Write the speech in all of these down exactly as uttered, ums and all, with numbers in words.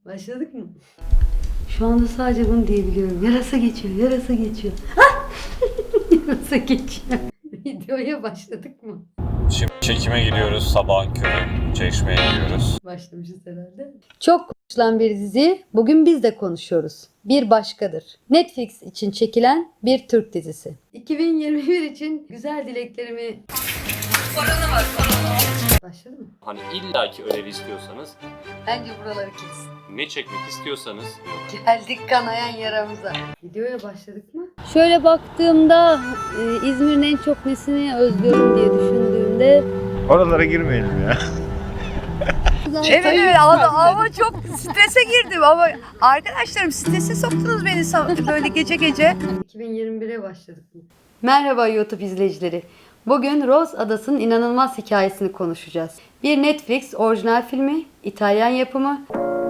Başladık mı? Şu anda sadece bunu diyebiliyorum. Yarasa geçiyor, yarasa geçiyor. Yarasa geçiyor. Videoya başladık mı? Şimdi çekime gidiyoruz. Sabahın körü Çeşme'ye gidiyoruz. Başlamışız herhalde. Çok konuşulan bir dizi. Bugün biz de konuşuyoruz. Bir başkadır. Netflix için çekilen bir Türk dizisi. iki bin yirmi bir için güzel dileklerimi... Korona var, korona. Başladı mı? Hani illaki ödev istiyorsanız, Bence buraları kes. ne çekmek istiyorsanız Geldik kanayan yaramıza. Videoya başladık mı? Şöyle baktığımda e, İzmir'in en çok nesini özlüyorum diye düşündüğümde Oralara girmeyelim ya. Evet evet ama, ama çok strese girdim ama arkadaşlarım strese soktunuz beni sa- böyle gece gece. iki bin yirmi bire başladık mı? Merhaba YouTube izleyicileri. Bugün Rose Adası'nın inanılmaz hikayesini konuşacağız. Bir Netflix orijinal filmi, İtalyan yapımı.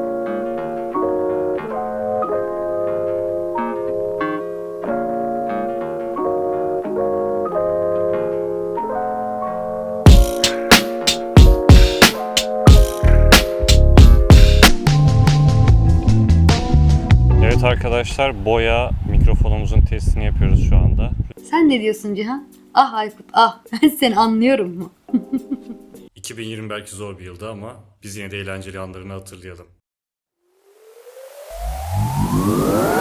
Evet arkadaşlar, boya mikrofonumuzun testini yapıyoruz şu anda. Sen ne diyorsun Cihan? Ah Aykut ah, ben seni anlıyorum mu? iki bin yirmi belki zor bir yıldı ama biz yine de eğlenceli anlarını hatırlayalım.